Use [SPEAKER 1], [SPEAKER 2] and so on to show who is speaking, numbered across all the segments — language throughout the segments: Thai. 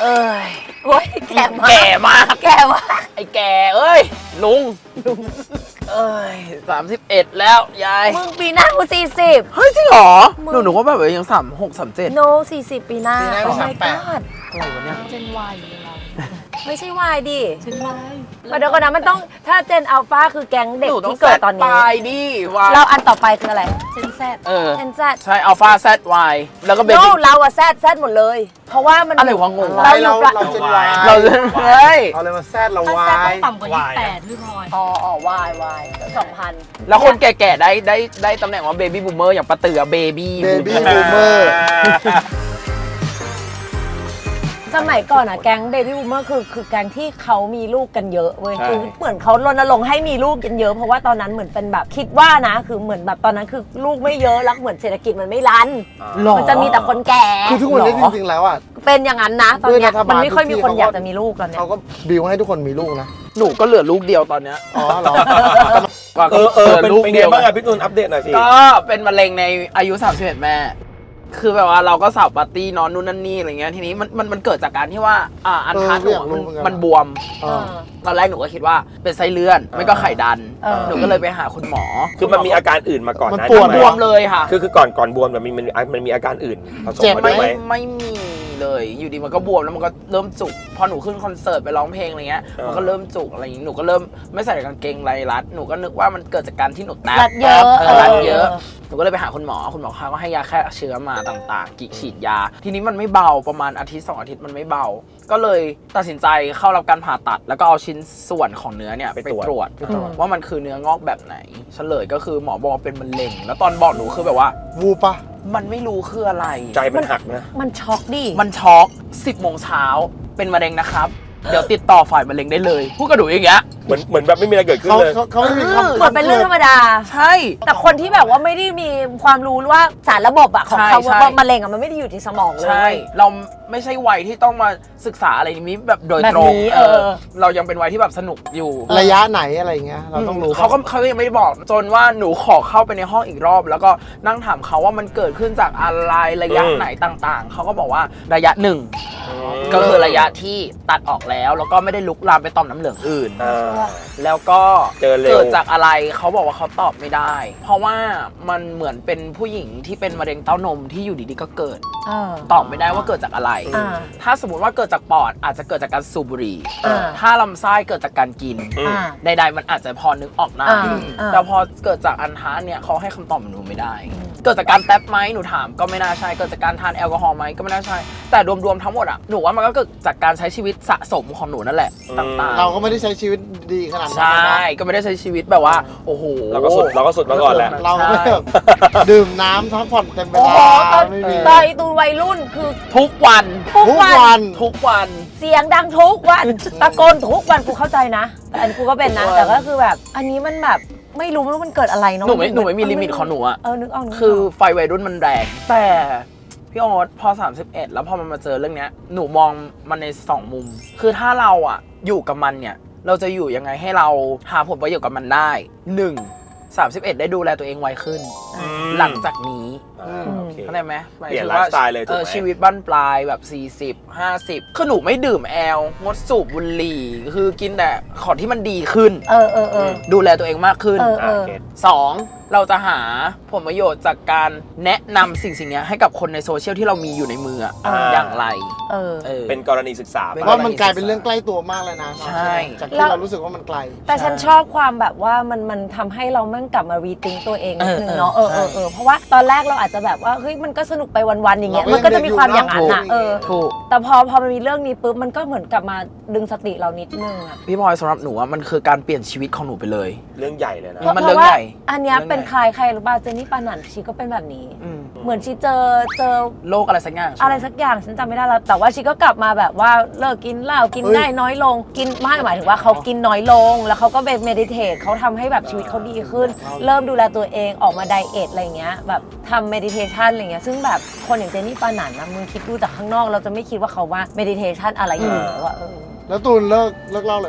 [SPEAKER 1] เอ้ยโอ้ยแก่มาก
[SPEAKER 2] แก่มาก
[SPEAKER 1] แก่มาก
[SPEAKER 2] ไอ้แก่เอ้ยลุงเอ้ย31แล้วยาย
[SPEAKER 1] มึงปีหน้ากู40
[SPEAKER 2] เฮ้ยจริงเหรอ
[SPEAKER 1] มึง
[SPEAKER 2] หนูว่าแบบยัง36 37
[SPEAKER 1] โน40 ปีหน้า
[SPEAKER 3] ปีหน้า
[SPEAKER 1] โอ้
[SPEAKER 3] ก็
[SPEAKER 1] my
[SPEAKER 3] 38
[SPEAKER 1] god
[SPEAKER 2] อะไรวะเนี่ย
[SPEAKER 4] เจนวายอยู่เรา
[SPEAKER 1] ไม่ใช่วายดิ
[SPEAKER 4] เจนวาย
[SPEAKER 1] เดี๋ยวก่อนนะมันต้องถ้าเจนอัลฟาคือแก๊งเด็ก
[SPEAKER 2] หนูต้อง
[SPEAKER 1] ที่เกิดตอน
[SPEAKER 2] ป
[SPEAKER 1] นี้
[SPEAKER 2] ลายดิวาย
[SPEAKER 1] เราอันต่อไปคืออะไร
[SPEAKER 4] เจนแซด
[SPEAKER 2] เออ
[SPEAKER 1] เจนแซด
[SPEAKER 2] ใช่อัลฟาแซดวายแล้วก็เบ
[SPEAKER 1] โน
[SPEAKER 2] บี้
[SPEAKER 1] เราอะแซดหมดเลย เพราะว่ามัน
[SPEAKER 2] อะไรวะงงวะ
[SPEAKER 1] เราอยู่
[SPEAKER 3] เราเจนวาย
[SPEAKER 2] เราเฮ้ย
[SPEAKER 3] เอาเลยมาแซดเรา
[SPEAKER 4] ถ้าว
[SPEAKER 3] า
[SPEAKER 4] แซดต้
[SPEAKER 3] ย
[SPEAKER 4] องต่ำกว่า28พี่พลอย
[SPEAKER 1] อ๋อวา2,000
[SPEAKER 2] แล้วคนแก่ๆได้ตำแหน่งว่าเบบี้บูมเมอร์อย่างปะเตือเบบี้
[SPEAKER 3] Baby Boomer
[SPEAKER 1] สมัยก่อนอะแก๊งเบบี้บูมเมอร์คือแก๊งที่เขามีลูกกันเยอะเว้ยคือเหมือนเขารณรงค์ให้มีลูกกันเยอะเพราะว่าตอนนั้นเหมือนเป็นแบบคิดว่านะคือเหมือนแบบตอนนั้นคือลูกไม่เยอะแล้วเหมือนเศรษฐกิจมันไม่รัน
[SPEAKER 2] หรอ
[SPEAKER 1] มันจะมีแต่คนแก่
[SPEAKER 3] คือทุกวันนี้จริงๆแล้วอ่ะ
[SPEAKER 1] เป็นอย่างนั้นนะตอนเนี้ย
[SPEAKER 3] ด้วยรัฐบาล
[SPEAKER 1] มันไม่ค่อยมีคน
[SPEAKER 3] ทุกที่
[SPEAKER 1] อยากจะมีลูกตอนเนี้ย
[SPEAKER 3] เขาก็บิวให้ทุกคนมีลูกนะ
[SPEAKER 2] หนูก็เหลือลูกเดียวตอนเนี้ย
[SPEAKER 3] อ๋อเหรอ
[SPEAKER 5] เป็น
[SPEAKER 2] ลูก
[SPEAKER 5] ไง
[SPEAKER 2] เดียว
[SPEAKER 5] บ้างอะพี่ตุลอัปเดตหน่อยสิ
[SPEAKER 2] ก็เป็นมะเร็งในอายุ31แม่ คือแบบว่าเราก็สาวปาร์ตี้นอนนู่นนั่นนี่อะไรเงี้ยทีนี้มันเกิดจากการที่ว่าอันทัดหนู
[SPEAKER 3] อยากรู้เหมือนกัน
[SPEAKER 2] มันบวม
[SPEAKER 3] เออ
[SPEAKER 2] ตอนแรกหนูก็คิดว่าเป็นไส้เลื่อนไม่ก็ไข่ดัน หนูก็เลยไปหาคุณหมอ
[SPEAKER 5] คือมันมีอาการอื่นมาก่อน
[SPEAKER 3] มัน
[SPEAKER 5] นะ
[SPEAKER 3] ปวด
[SPEAKER 2] บวมเลยค่ะ
[SPEAKER 5] คือก่อนบวมมันมีอาการอื่นผสม
[SPEAKER 3] เจ็บ
[SPEAKER 5] มา
[SPEAKER 3] ไหม
[SPEAKER 5] ด้วยไหม
[SPEAKER 2] ไม่มีเลยอยู่ดีมันก็บวมแล้วมันก็เริ่มจุกพอหนูขึ้นคอนเสิร์ตไปร้องเพลงอะไรเงี้ยมันก็เริ่มจุกอะไรอย่างงี้หนูก็เริ่มไม่ใส่กางเกงไรรัดหนูก็นึกว่ามันเกิดจากการที่หนูแตะ
[SPEAKER 1] รัดเยอะ
[SPEAKER 2] รัดเยอะหนูก็เลยไปหาคุณหมอเขาก็ให้ยาแค่เชื้อมาต่างๆกิฉีดยา ทีนี้มันไม่เบาประมาณอาทิตย์2 อาทิตย์มันไม่เบา ก็เลยตัดสินใจเข้ารับการผ่าตัด แล้วก็เอาชิ้นส่วนของเนื้อเนี่ยไปตรวจว่ามันคือเนื้องอกแบบไหนเฉลยก็คือหมอบอกว่าเป็นมะเร็งแล้วตอนบอกหนูคือแบบว่า
[SPEAKER 3] วูปะ
[SPEAKER 2] มันไม่รู้คืออะไร
[SPEAKER 5] ใจมันหักนะ
[SPEAKER 1] มันช็อกดิ
[SPEAKER 2] มันช็อก10 โมงเช้าเป็นมะเร็งนะครับ เดี๋ยวติดต่อฝ่ายมะเร็งได้เลยพูดกับหนูอย่างเงี้ย
[SPEAKER 5] เหมือนแบบไม่มีอะไรเกิดขึ้น
[SPEAKER 3] เขา
[SPEAKER 5] เลย
[SPEAKER 3] เขาไม่มีคำ
[SPEAKER 1] เหมือนเป็นเรื่องธรรมดา
[SPEAKER 2] ใช่
[SPEAKER 1] แต่คนที่แบบว่าไม่ได้มีความรู้ว่าสารระบบอะของเขา
[SPEAKER 2] ใช่
[SPEAKER 1] ว่ามะเร็งอะมันไม่ได้อยู่ที่สมองเลย
[SPEAKER 2] ใช่เราไม่ใช่วัยที่ต้องมาศึกษาอะไรนี้แบบโดยตรง
[SPEAKER 1] แบบนี้
[SPEAKER 2] เรายังเป็นวัยที่แบบสนุกอยู่
[SPEAKER 3] ระยะไหนอะไรเงี้ยเราต้องรู้
[SPEAKER 2] เขายังไม่ได้บอกจนว่าหนูขอเข้าไปในห้องอีกรอบ แล้วก็นั่งถามเขาว่ามันเกิดขึ้นจากอะไรระยะไหนต่างๆ เขาก็บอกว่าระยะหนึ่งก็คือระยะที่ตัดออกแล้วก็ไม่ได้ลุกลามไปต่อมน้ำเหลืองอื่น แล้วก็
[SPEAKER 5] เจอเร็ว
[SPEAKER 2] เกิดจากอะไรเขาบอกว่าเขาตอบไม่ได้ เพราะว่ามันเหมือนเป็นผู้หญิงที่เป็นมะเร็งเต้านมที่อยู่ดีๆก็เกิด ตอบไม่ได้ว่าเกิดจากอะไร
[SPEAKER 1] อ่า
[SPEAKER 2] ถ้าสมมติว่าเกิดจากปอดอาจจะเกิดจากการสูบบุหรี่
[SPEAKER 1] อ่า
[SPEAKER 2] ถ้าลำไส้เกิดจากการกิน
[SPEAKER 1] อ่า
[SPEAKER 2] ใดๆมันอาจจะพอนึกออกได้
[SPEAKER 1] อ่า
[SPEAKER 2] แต่พอเกิดจากอันทะเนี่ยเขาให้คำตอบหนูไม่ได้ เกิดจากการแท็บไหมหนูถามก็ไม่น่าใช่ เกิดจากการทานแอลกอฮอล์ไหมก็ไม่น่าใช่ แต่รวมๆทั้งหมดอะหนูว่ามันก็เกิดจากการใช้ชีวิตสะสมของหนูนั่นแหละต่างๆ
[SPEAKER 3] เราก็ไม่ได้ใช้ชีวิตดีขนาดนั้น
[SPEAKER 2] ใช่ ก็ไม่ได้ใช้ชีวิตแบบว่าโอ้โห
[SPEAKER 5] เราก็สุดมาก่อนแหละ
[SPEAKER 3] เราก็แบบดื่มน้ำพักผ่อนเต็มเว
[SPEAKER 1] โอ้โห
[SPEAKER 3] ลา
[SPEAKER 1] ตอน
[SPEAKER 3] ไม่มี
[SPEAKER 1] ตอนตูวัยรุ่นคือ
[SPEAKER 2] ทุกวัน
[SPEAKER 1] ทุก
[SPEAKER 3] ทุก
[SPEAKER 1] วัน
[SPEAKER 3] วัน
[SPEAKER 2] ทุกวัน
[SPEAKER 1] เสียงดังทุกวันตะโกนทุกวันกูเข้าใจนะแต่อันนกูก็เป็นนะ แต่ก็คือแบบอันนี้มันแบบไม่รู้ว่ามันเกิดอะไรเนาะ
[SPEAKER 2] หนูไม่มีลิมิตของหนูอะ
[SPEAKER 1] นึกออกนึกก
[SPEAKER 2] คือไฟวัยรุ่นมันแรง แต่พี่โอ๊ตพอ 31 แล้วพอมันมาเจอเรื่องเนี้ยหนูมองมันใน 2 มุม คือถ้าเราอะอยู่กับมันเนี่ย เราจะอยู่ยังไงให้เราหาผลประโยชน์กับมันได้ 1. 31 ได้ดูแลตัวเองไวขึ้น หลังจากนี้
[SPEAKER 5] โอเค
[SPEAKER 2] เข้าใจไหมหมาย
[SPEAKER 5] เปลี่ยน
[SPEAKER 2] ถึงว่า
[SPEAKER 5] ไลฟ์สไตล์เลยถูกไหม
[SPEAKER 2] ชีวิตบั้นปลายแบบ 40 50 คือหนูไม่ดื่มแอลงดสูบบุหรี่ คือกินแต่ของที่มันดีขึ้น ดูแลตัวเองมากขึ้น
[SPEAKER 5] เก็ต
[SPEAKER 2] 2. เราจะหาผลประโยชน์จากการแนะนำสิ่งนี้ให้กับคนในโซเชียลที่เรามีอยู่ในมืออะอย่างไร
[SPEAKER 5] เป็นกรณีศึกษาไป
[SPEAKER 3] ว่ามันกลายเป็นเรื่องใกล้ตัวมากเลยนะ
[SPEAKER 2] ใช่
[SPEAKER 3] จากที่เรารู้สึกว่ามันไกล
[SPEAKER 1] แต่ฉันชอบความแบบว่ามันทำให้เราแม่งกลับมารีทิงตัวเองนิดนึงเนาะเพราะว่าตอนแรกเราอาจจะแบบว่าเฮ้ยมันก็สนุกไปวันๆอย่างเงี้ย
[SPEAKER 3] เราก็
[SPEAKER 1] มันก็จะมีความอย่างนั้น
[SPEAKER 3] ยังเด็
[SPEAKER 1] อะ
[SPEAKER 3] กอยู่นะ
[SPEAKER 2] ถูก
[SPEAKER 1] แต่พอมันมีเรื่องนี้ปุ๊บมันก็เหมือนกลับมาดึงสติเรานิดนึงอะ
[SPEAKER 2] พี่พลอยสำหรับหนูอะมันคือการเปลี่ยนชีวิตของหนูไปเลย
[SPEAKER 5] เรื่องใหญ่เลยนะ
[SPEAKER 2] มัน
[SPEAKER 1] เพ
[SPEAKER 2] เรื่อง
[SPEAKER 1] ราะว่า
[SPEAKER 2] ใหญ่
[SPEAKER 1] อันเนี้ย
[SPEAKER 2] เรื่องใหญ่
[SPEAKER 1] เป็นใครรู้ป่ะเจนนี่ปานันชีก็เป็นแบบนี้
[SPEAKER 2] อืม
[SPEAKER 1] เหมือนชีเจอ
[SPEAKER 2] โรคอะไรสักอย่างใช่หม
[SPEAKER 1] อะไรสักอย่างฉันจำไม่ได้แล้วแต่ว่าชีก็กลับมาแบบว่าเลิกกินเหล้ากิน
[SPEAKER 3] เฮ้ย
[SPEAKER 1] ได้น้อยลงกินไม่หมายถึงว่าเขากินน้อยลง แล้วเขาก็ไปเมดิเทตเขาทำให้แบบชีวิตเขาดีขึ้น เริ่มดูแลตัวเองออกมาไดเอทอะไรเงี้ยแบบทำเมดิเทชันอะไรเงี้ยซึ่งแบบคนอย่างเจนนี่ปานันนะมึงคิดดูจากข้างนอกเราจะไม่คิดว่าเขาว่าเมดิเทชันอะไรอยู่แล้วว่า
[SPEAKER 3] แล้วตูนเลิกเล่าเลยปะ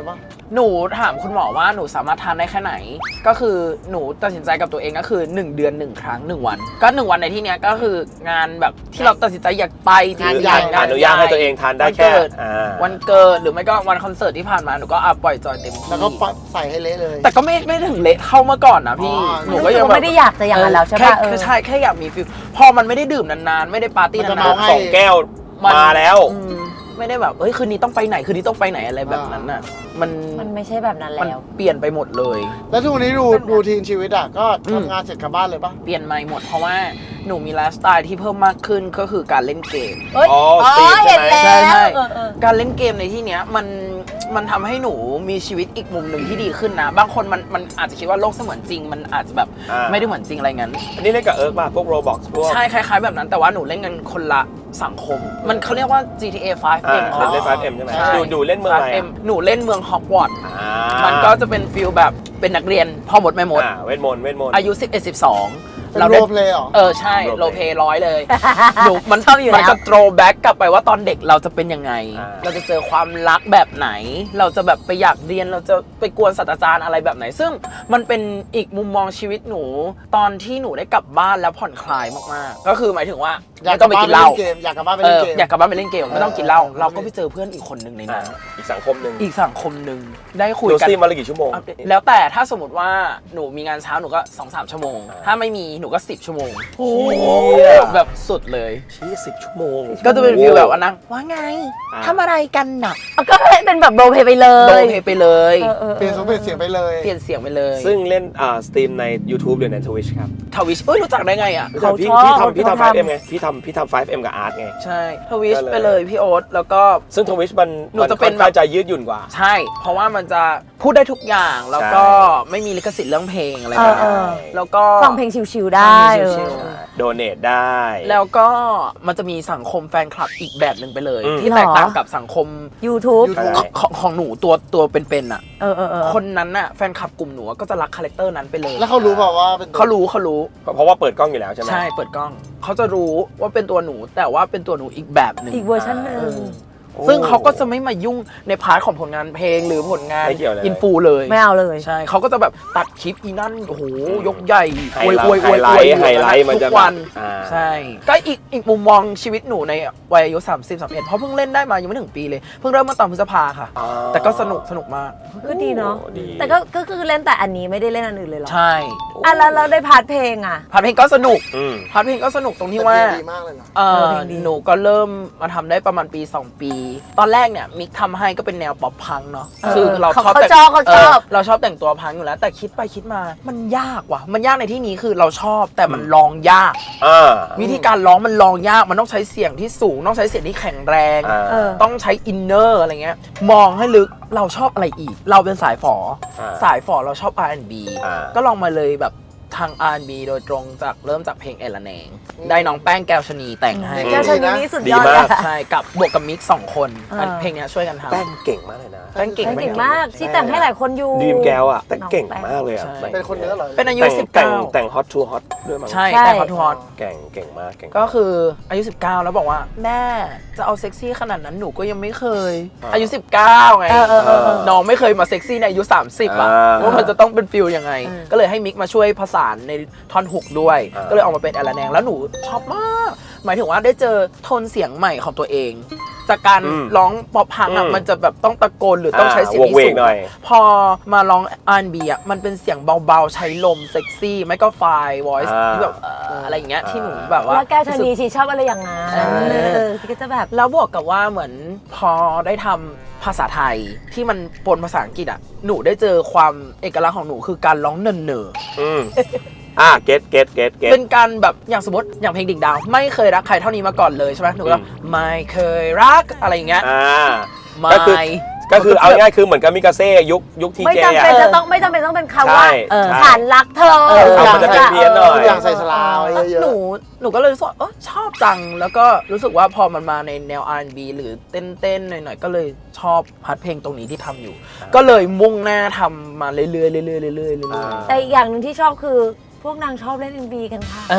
[SPEAKER 2] หนูถามคุณหมอว่าหนูสามารถทานได้แค่ไหน ก็คือหนูตัดสินใจกับตัวเองก็คือ1 เดือน 1 ครั้ง 1 วัน ก็1 วันในที่เนี้ยก็คืองานแบบที่เราตัดสินใจอยากไปจริง
[SPEAKER 3] ใหญ่
[SPEAKER 5] อนุญาตให้ตัวเองทานได้แค่
[SPEAKER 2] วันเกิดหรือไม่ก็วันคอนเสิร์ตที่ผ่านมาหนูก็ปล่อยจอยเต็มที่
[SPEAKER 3] แล้วก็ใส่ให้เละเลย
[SPEAKER 2] แต่ก็ไม่ถึงเละเท่าเมื่อก่อนนะพี่
[SPEAKER 3] อ๋อ
[SPEAKER 2] หนูก็ยังแบบ
[SPEAKER 1] ไม่ได้อยากจะอย่างนั้นแล้วใช่ปะ
[SPEAKER 2] คือใช่แค่อยากมีฟิลพอมันไม่ได้ดื่มนานๆไม่ได้ปาร์ตี้
[SPEAKER 3] มันจะ
[SPEAKER 2] นาน
[SPEAKER 3] เมา
[SPEAKER 2] ๆ
[SPEAKER 5] 2 แก้ว
[SPEAKER 2] มัน
[SPEAKER 5] มาแล้ว
[SPEAKER 2] ไม่ได้แบบคืนนี้ต้องไปไหนคืนนี้ต้องไปไหนอะไรแบบนั้นน่ะมัน
[SPEAKER 1] มันไม่ใช่แบบนั้น
[SPEAKER 2] มัน
[SPEAKER 1] แล้ว
[SPEAKER 2] เปลี่ยนไปหมดเลย
[SPEAKER 3] แล้วทุกวันนี้รูทีนชีวิตอ่ะก็ทำงานเสร็จกลับบ้านเลยปะ
[SPEAKER 2] เปลี่ยนใหม่หมดเพราะว่าหนูมีไลฟ์สไตล์ที่เพิ่มมากขึ้นก็คือการเล่นเกม
[SPEAKER 1] เอ้ย
[SPEAKER 5] อ๋อสตรีมใช่
[SPEAKER 1] เห็น
[SPEAKER 5] ไหม
[SPEAKER 1] แล้ว
[SPEAKER 2] ใช่
[SPEAKER 1] ๆ
[SPEAKER 2] การเล่นเกมในที่เนี้ยมันทำให้หนูมีชีวิตอีกมุมหนึ่งที่ดีขึ้นนะ บางคนมันอาจจะคิดว่าโลกเสมือนจริง มันอาจจะแบบไม่ได้เหมือนจริงอะไรงั้น
[SPEAKER 5] อันนี้เล่นกับเอิร์กป่ะพวก Roblox พวก
[SPEAKER 2] ใช่คล้ายๆแบบนั้นแต่ว่าหนูเล่นกันคนละสังคม มันเขาเรียกว่า GTA 5M
[SPEAKER 5] เล่น 5M ใช่ไหม
[SPEAKER 2] ใช่
[SPEAKER 5] ดูเล่นเมืองอะไร
[SPEAKER 2] 5M หนูเล่นเมืองฮอกวอตส์
[SPEAKER 5] อ่า
[SPEAKER 2] มันก็จะเป็นฟิลแบบเป็นนักเรียนพ่อมดแม่มด
[SPEAKER 5] เวทมนต์
[SPEAKER 2] อายุ 11-12
[SPEAKER 3] เป็นโรลเพลย์เหรอ
[SPEAKER 2] ใช่
[SPEAKER 5] Role
[SPEAKER 2] โรเพย์ร้อยเลย
[SPEAKER 1] ๆ
[SPEAKER 2] หนูมัน
[SPEAKER 1] ชอบอยู่
[SPEAKER 2] มัน
[SPEAKER 1] แล้ว
[SPEAKER 2] จะโตรแบ็กกลับไปว่าตอนเด็กเราจะเป็นยังไง เราจะเจอความรักแบบไหน เราจะแบบไปอยากเรียนเราจะไปกวนศาสตราจารย์อะไรแบบไหน ซึ่งมันเป็นอีกมุมมองชีวิตหนู ตอนที่หนูได้กลับบ้านแล้วผ่อนคลายมากๆ ก็คือหมายถึงว่า
[SPEAKER 3] อยาก
[SPEAKER 2] ไม่
[SPEAKER 3] ก
[SPEAKER 2] ต้
[SPEAKER 3] ลั
[SPEAKER 2] อบ งไป
[SPEAKER 3] บ้าน
[SPEAKER 2] กิน
[SPEAKER 3] ไป
[SPEAKER 2] เห
[SPEAKER 3] เล่
[SPEAKER 2] ล้าน
[SPEAKER 3] เกมอยากกลับบ้านไปเล่นเกม
[SPEAKER 2] อยากกลับบ้านไปเล่นเกมไม่ต้องกินเหล้า
[SPEAKER 3] เออ
[SPEAKER 2] เราก็ไปเจอเพื่อนอีกคนหนึ่งในนั้น
[SPEAKER 5] อีกสังคมหนึ่ง
[SPEAKER 2] อีกสังคมหนึ่งได้คุย
[SPEAKER 5] ดู
[SPEAKER 2] กัน
[SPEAKER 5] สตรีมมาละกี่ชั่วโมง
[SPEAKER 2] แล้วแต่ถ้าสมมติว่าหนูมีงานเช้าหนูก็ 2-3 ชั่วโมง ถ้าไม่มีหนูก็ 10 ชั่วโมงแบบสุดเลย
[SPEAKER 5] ชี้10 ชั่วโมง
[SPEAKER 2] ก็จะเป็นฟีลแบบว่านั่งว่าไง
[SPEAKER 5] อ่า
[SPEAKER 2] ทำอะไรกันหนัก
[SPEAKER 1] ก็เป็นแบบโรลเพลย์ไปเล
[SPEAKER 2] โด
[SPEAKER 1] ย
[SPEAKER 2] นเพไปเลย
[SPEAKER 3] เปลี่ยนเสียงไปเลย
[SPEAKER 2] เปลี่ยนเสียงไปเลย
[SPEAKER 5] ซึ่งเล่นสตรีมใน YouTube หรือใน Twitch ครับ
[SPEAKER 2] ทวิชรู้จักได้ไงอ่ะ
[SPEAKER 1] เขา
[SPEAKER 5] พี่
[SPEAKER 1] ชอบ
[SPEAKER 5] พี่
[SPEAKER 1] เขา
[SPEAKER 5] ทำ
[SPEAKER 1] ทำ
[SPEAKER 5] 5M ไงพี่ทำ 5M กับอาร์ตไง
[SPEAKER 2] ใช่ทวิช
[SPEAKER 5] ก็เลย
[SPEAKER 2] ไปเลยพี่โอ๊ตแล้วก็
[SPEAKER 5] ซึ่ง Twitch มัน
[SPEAKER 2] หนูจะเป็น
[SPEAKER 5] ค่อข้างจะยืดหยุ่นกว่า
[SPEAKER 2] ใช่ เพราะว่ามันจะพูดได้ทุกอย่างแล้วก็ไม่มีลิขสิทธิ์เรื่องเพลงอะไรแบบ
[SPEAKER 1] เอ
[SPEAKER 2] นี้
[SPEAKER 1] อ
[SPEAKER 2] แล้วก็
[SPEAKER 1] ฟังเพลงชิวๆได้
[SPEAKER 2] ฟังเพลงชิว
[SPEAKER 5] โดเนทได้
[SPEAKER 2] แล้วก็มันจะมีสังคมแฟนคลับอีกแบบหนึ่งไปเลย
[SPEAKER 5] อืม
[SPEAKER 2] ที่แตกต่างกับสังคม
[SPEAKER 1] YouTube
[SPEAKER 5] ใช่
[SPEAKER 2] ของหนูตัวเป็นๆอ่ะ
[SPEAKER 1] เออ
[SPEAKER 2] คนนั้นน่ะแฟนคลับกลุ่มหนูก็จะรักคาแรคเตอร์นั้นไปเลย
[SPEAKER 3] แล้วเขารู้เปล่าว่าเป็นตัว
[SPEAKER 2] เขารู้
[SPEAKER 5] เพราะว่าเปิดกล้องอยู่แล้วใช่ไหม
[SPEAKER 2] ใช่เปิดกล้อง เขาจะรู้ว่าเป็นตัวหนูแต่ว่าเป็นตัวหนูอีกแบบหนึ่ง
[SPEAKER 1] อีกเวอร์ชันหนึ่ง
[SPEAKER 5] โอ้
[SPEAKER 2] ซึ่งเขาก็จะไม่มายุ่งในพาร์ทของผลงานเพลงหรือผลงาน
[SPEAKER 5] ไม่เกี่ยวเลย
[SPEAKER 2] อินฟูเลย
[SPEAKER 1] ไม่เอาเลย
[SPEAKER 2] ใช่เขาก็จะแบบตัดคลิปอีนั่นโอ้โหยกใหญ่
[SPEAKER 5] ไฮไลท์มันจะ
[SPEAKER 2] ทุกวัน
[SPEAKER 5] อ่า
[SPEAKER 2] ใช่ก็อีกมุมมองชีวิตหนูในวัยอายุ30-31เพราะเพิ่งเล่นได้มายังไม่ถึงปีเลยเพิ่งเริ่มมาตอนพฤษภาค่ะ
[SPEAKER 5] อ่า
[SPEAKER 2] แต่ก็สนุกมาก
[SPEAKER 1] ก็ดีเนาะ
[SPEAKER 5] โอ้ดี
[SPEAKER 1] แต่ก็คือเล่นแต่อันนี้ไม่ได้เล่นอันอื่นเลยเหรอ
[SPEAKER 2] ใช่
[SPEAKER 1] แล้วเราได้พาร์ทเพลงอ่ะ
[SPEAKER 2] พาร์ทเพลงก็สนุก
[SPEAKER 5] อืม
[SPEAKER 2] พาร์ทเพลงก็สนุกตรงที่
[SPEAKER 3] แต่
[SPEAKER 2] ว่า
[SPEAKER 3] เพลงดีมากเลยนะ
[SPEAKER 1] เพลงดี
[SPEAKER 2] หนูก็เริ่มมาทำได้ประมาณปี 2 ปี ตอนแรกเนี่ยมิกทำให้ก็เป็นแนวป๊อปพังเนาะคือเราชอบ
[SPEAKER 1] เขาชอบ
[SPEAKER 2] เราชอบแต่งตัวพังอยู่แล้ว แต่คิดไปคิดมามันยากว่ะมันยากในที่นี้คือเราชอบแต่มันลองยาก
[SPEAKER 5] อ่า
[SPEAKER 2] วิธีการร้องมันลองยากมันต้องใช้เสียงที่สูงต้องใช้เสียงที่แข็งแรง
[SPEAKER 5] อ่า
[SPEAKER 1] เออ
[SPEAKER 2] ต้องใช้อินเนอร์อะไรเงี้ยมองให้ลึกเราชอบอะไรอีก เราเป็นสายฝอ
[SPEAKER 5] อ่า
[SPEAKER 2] สายฝอเราชอบ R&B
[SPEAKER 5] อ่า
[SPEAKER 2] ก็ลองมาเลยแบบทาง R&B โดยตรงจากเริ่มจากเพลงเอลแนงได้น้องแป้งแก้วชนีแต่งให้
[SPEAKER 1] แก้วชนิดนี้สุดยอด
[SPEAKER 5] ดี
[SPEAKER 1] เล
[SPEAKER 5] มาก
[SPEAKER 1] ย
[SPEAKER 2] ใช่กับบวกกับมิก2 คน
[SPEAKER 1] เออ
[SPEAKER 2] เพลงเนี้ยช่วยกันทำ
[SPEAKER 5] แป้งเก่งมากเลยนะ
[SPEAKER 2] แป้งเก่ง
[SPEAKER 1] เก่งมากที่แต่งให้หลายคนอยู่
[SPEAKER 5] ดีมแก้วอ่ะแต่เก่งมากเลยอ่ะ
[SPEAKER 2] ใช่
[SPEAKER 3] เป็นคนเนื้อเหรอ
[SPEAKER 2] เป็นอายุ
[SPEAKER 5] แต่งฮอตทูฮอตด้วยมั้ง
[SPEAKER 2] 19 ใช่
[SPEAKER 1] ใช่
[SPEAKER 2] แต่งฮอต
[SPEAKER 5] เก่งมากเก่ง
[SPEAKER 2] ก็คืออายุ 19 แล้วบอกว่าแม่จะเอาเซ็กซี่ขนาดนั้นหนูก็ยังไม่เคย อายุ 19 ไง
[SPEAKER 1] เออ
[SPEAKER 2] น้องไม่เคยมาเซ็กซี่ในอายุ 30 อ่ะ ว่ามันจะต้องเป็นฟิลยังไง ก็เลยให้มิกมาช่วยผสานในท่อนฮุกด้วย ก็เลยออกมาเป็นแอลแนงแล้วหนูชอบมาก หมายถึงว่าได้เจอโทนเสียงใหม่ของตัวเอง จากการร้องป๊อปพังอ่ะมันจะแบบต้องตะโกนหรือต้องใช้เสียงที่สูง พอมาร้อง R&B อ่ะมันเป็นเสียงเบาๆใช้ลมเซ็กซี่ไม่ก็ไฟวอยซ์ที่แบบอะไรอย่างเงี้ยที่หนูแบบว่า
[SPEAKER 1] แล้วแก้วชนีชีชอบอะไรอย่างนั้น
[SPEAKER 2] ใช่
[SPEAKER 1] ชีก็จะแบบ
[SPEAKER 2] แล้วบวกกับว่าเหมือนพอได้ทำภาษาไทยที่มันปนภาษาอังกฤษอ่ะหนูได้เจอความเอกลักษณ์ของหนูคือการร้องเนิร์
[SPEAKER 5] อืมเก็ต
[SPEAKER 2] เป็นการแบบอย่างสมมติอย่างเพลงดิ่งดาวไม่เคยรักใครเท่านี้มาก่อนเลยใช่ไหมหนูก็ไม่เคยรักอะไรอย่างเงี้ยไม่
[SPEAKER 5] ก็คือเอาง่ายคือเหมือนกับมิกาเซ่ยุคที
[SPEAKER 1] ไม่
[SPEAKER 5] เจ
[SPEAKER 1] จำ
[SPEAKER 5] อ่ะ
[SPEAKER 1] เป็นจะต้องไม่จำเป็นต้องเป็นคำว่า
[SPEAKER 5] ใช่
[SPEAKER 1] ฉันรักเธอ
[SPEAKER 5] มันจะเป็นเพี้ยนหน่อย
[SPEAKER 3] ทุกอย่างใส่สลาวเยอะ
[SPEAKER 2] หนูก็เลยรู้สึกว่าชอบจังแล้วก็รู้สึกว่าพอมันมาในแนว R&B หรือเต้นๆหน่อยๆก็เลยชอบพาร์ทเพลงตรงนี้ที่ทำอยู่ ก็เลยมุ่งหน้าทำมาเรื่อยๆเรื่อยๆเรื่อยๆ
[SPEAKER 1] แต่อีกอย่างหนึ่งที่ชอบคือพวกนางชอบเล่น MV กันค่ะ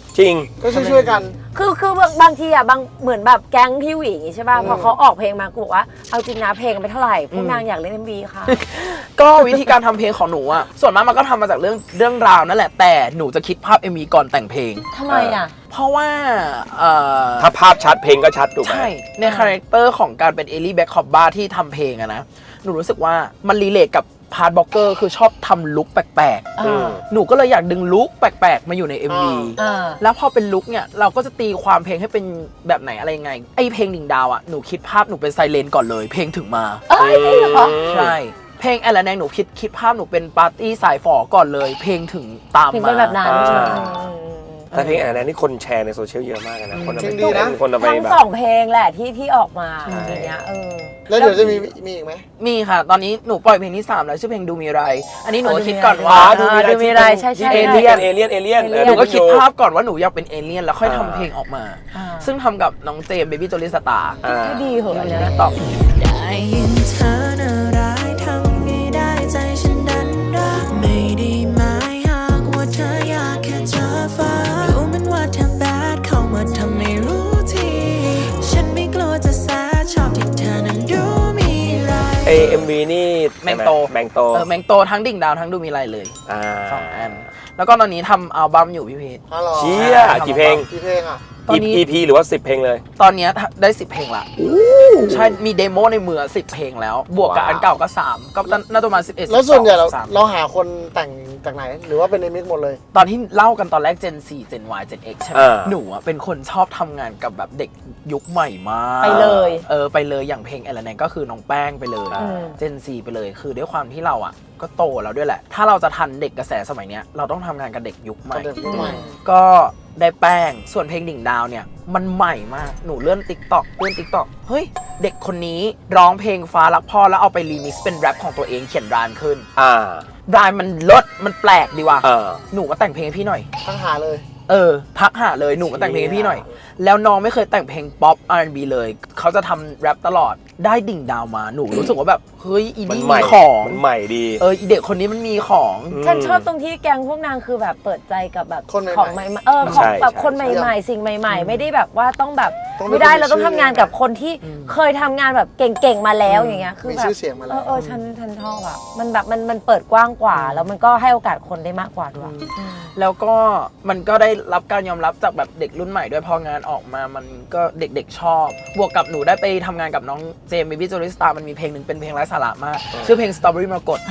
[SPEAKER 5] จริง
[SPEAKER 3] ก็ช่วยๆกัน
[SPEAKER 1] คือบางทีอ่ะเหมือนแบบแก๊งพี่หวีใช่ป่ะพอเขาออกเพลงมากูบอกว่าเอาจริงนะเพลงไปเท่าไหร่พวกนางอยากเล่น MV ค่ะ
[SPEAKER 2] ก็วิธีการทำเพลงของหนูอะส่วนมากมันก็ทำมาจากเรื่องราวนั่นแหละแต่หนูจะคิดภาพ MV ก่อนแต่งเพลง
[SPEAKER 1] ทำไมอ่ะ
[SPEAKER 2] เพราะว่า
[SPEAKER 5] ถ้าภาพชัดเพลงก็ชัดถูกไหม
[SPEAKER 2] ใช่ในคาแรคเตอร์ของการเป็นเอลี่แบ็คคอบบาที่ทำเพลงอะนะหนูรู้สึกว่ามันรีเลทกับพาร์ทบล็อกเกอร์คือชอบทำลุคแปลก
[SPEAKER 1] อ่า
[SPEAKER 2] ๆหนูก็เลยอยากดึงลุคแปลกๆมาอยู่ใน MV
[SPEAKER 1] อ่า
[SPEAKER 2] แล้วพอเป็นลุคเนี่ยเราก็จะตีความเพลงให้เป็นแบบไหนอะไรยังไงไอเพลงดิ่งดาวอะหนูคิดภาพหนูเป็นไซเลนก่อนเลยเพลงถึงมา
[SPEAKER 1] เอ้ยจริงเหรอ
[SPEAKER 2] ใช่เพลงแอลแนงหนูคิดภาพหนูเป็นปาร์ตี้สายฝอก่อนเลย เพลงถึงตาม
[SPEAKER 1] ถึง
[SPEAKER 2] มา
[SPEAKER 1] เป็นแบบนั้น
[SPEAKER 2] ใช่
[SPEAKER 5] แต่เพลงอันนั้นนี่คนแชร์ในโซเชียลเยอะมากนะคนเอา
[SPEAKER 3] เพ
[SPEAKER 5] ไป
[SPEAKER 3] ลงดีนะ
[SPEAKER 5] คนเอาไป
[SPEAKER 1] ทั้ง
[SPEAKER 5] แบบ
[SPEAKER 1] สองเพลงแหละที่ออกมา
[SPEAKER 5] ใช่
[SPEAKER 1] อย่างเงี้ย
[SPEAKER 3] แล้วเดี๋ยวจะมีอีกไหม
[SPEAKER 2] มีค่ะ ตอนนี้หนูปล่อยเพลงที่ 3 แล้วชื่อเพลงดูมีไร อันนี้หนูก็คิดก่อน
[SPEAKER 1] อ๋
[SPEAKER 2] ว่า
[SPEAKER 1] อดูมีอะไรใช่ใช่
[SPEAKER 5] เอเลี่ยนเอเลี่ยนเอเลี่ยน
[SPEAKER 1] เอเลี่ยน
[SPEAKER 2] หนูก็คิดภาพก่อนว่าหนูอยากเป็นเอเลี่ยนแล้วค่อยทำเพลงออกมา
[SPEAKER 1] อ่า
[SPEAKER 2] ซึ่งทำกับน้องเจมส์เบบี้โจลิสตาร์
[SPEAKER 1] ก็ดีเหอะอันเนี้ย
[SPEAKER 2] ตอบ
[SPEAKER 6] ได้ยินเธอน่าร้ายทำไงได้ใจฉันดันรักไม่ได้หมายหากว่าเธออยากแค่เจอฟ้ารู้มันว่าเธอแบดเข้ามาทำไม่รู้ทีฉันไม่กลัวจะแสบชอบที่เธอนั้นดูมีไร
[SPEAKER 5] เอ็มวีนี่
[SPEAKER 2] แมงโต
[SPEAKER 5] แมงโต
[SPEAKER 2] แมงโตทั้งดิ่งดาวทั้งดูมีไรเลย
[SPEAKER 5] อ่า
[SPEAKER 2] 2 อัน แล้วก็ตอนนี้ทำอัลบั้มอยู่พี่พีท
[SPEAKER 3] ฮัลโหล
[SPEAKER 5] เชี่ยกี่เพลง
[SPEAKER 3] กี่เพลงอ่ะ
[SPEAKER 2] ตอนนี้
[SPEAKER 5] EP หรือว่า 10 เพลงเลย
[SPEAKER 2] ตอนนี้ได้ 10 เพลงละใช่มีเดโมในมือ10 เพลงแล้ว บวกกับ
[SPEAKER 5] ว้าว
[SPEAKER 2] อันเก่าก็ 3 ก็น่าจะประมาณ11
[SPEAKER 3] แล้วส่วนใหญ่เรา
[SPEAKER 2] 12
[SPEAKER 3] เราหาคนแต่งจากไหน หรือว่าเป็นในมิกหมดเลย
[SPEAKER 2] ตอนที่เล่ากันตอนแรก Gen 4 Gen Y Gen X ใช่ไหม
[SPEAKER 5] อ่า
[SPEAKER 2] หนูอะเป็นคนชอบทำงานกับแบบเด็กยุคใหม่มาก
[SPEAKER 1] ไปเลย
[SPEAKER 2] ไปเลยอย่างเพลงแอลแนงก็คือน้องแป้งไปเลย
[SPEAKER 1] อืม
[SPEAKER 2] Gen 4 ไปเลย คือด้วยความที่เราอ่ะก็โตแล้วด้วยแหละ ถ้าเราจะทันเด็กกระแสสมัยเนี้ยเราต้องทำงานกับเด็กยุคใหม่
[SPEAKER 3] กับเด็กยุคใหม่
[SPEAKER 2] ก็ได้แป้งส่วนเพลงดิ่งดาวเนี่ยมันใหม่มากหนูเลื่อน TikTok เฮ้ยเด็กคนนี้ร้องเพลงฟ้ารักพ่อแล้วเอาไปรีมิกซ์เป็นแรปของตัวเองเขียนรานขึ้น รายมันลดมันแปลกดีว่ะหนูมาแต่งเพลงให้พี่หน่อย
[SPEAKER 3] ทั้งหาเลย
[SPEAKER 2] ทักหาเลยหนูมาแต่งเพลงให้พี่หน่อย แล้วน้องไม่เคยแต่งเพลงป๊อป R&B เลยเขาจะทำแรปตลอดได้ดิ่งดาวมาหนูรู้สึกว่าแบบเฮ้ยอี
[SPEAKER 5] มัน
[SPEAKER 2] นี่
[SPEAKER 5] ใหม่
[SPEAKER 2] มีของ
[SPEAKER 5] มันใหม่ดี
[SPEAKER 2] อีเด็กคนนี้มันมีของ
[SPEAKER 1] ฉันชอบตรงที่แก๊งพวกนางคือแบบเปิดใจกับแบบ
[SPEAKER 3] คนใหม่ๆ
[SPEAKER 1] ของใหม่ๆของแบบ
[SPEAKER 5] ใช่
[SPEAKER 1] คนใหม่ๆ สิ่งใหม่ ๆ ไม่ได้แบบว่าต้องแบบ
[SPEAKER 3] ต้อง
[SPEAKER 1] ไม่ได้
[SPEAKER 3] มี
[SPEAKER 1] เราต้อง
[SPEAKER 3] ชื่อ
[SPEAKER 1] ทำงานกับคนที่เคยทำงานแบบเก่งๆมาแล้วอย่างเงี้ยคือ
[SPEAKER 3] มี
[SPEAKER 1] แบบ
[SPEAKER 3] ชื่อเสียงมาแล้ว
[SPEAKER 1] ฉันชอบอ่ะมันแบบมันเปิดกว้างกว่า แล้วมันก็ให้โอกาสคนได้มากกว่าด้วย
[SPEAKER 2] แล้วก็มันก็ได้รับการยอมรับจากแบบเด็กรุ่นใหม่ด้วยพองานออกมามันก็เด็กๆชอบบวกกับหนูได้ไปทำงานกับน้องเจมส์เบบี้โจลิสตามันมีเพลงหนึ่งเป็นเพลงไร้สาระมากชื่อเพลง Strawberry มรกต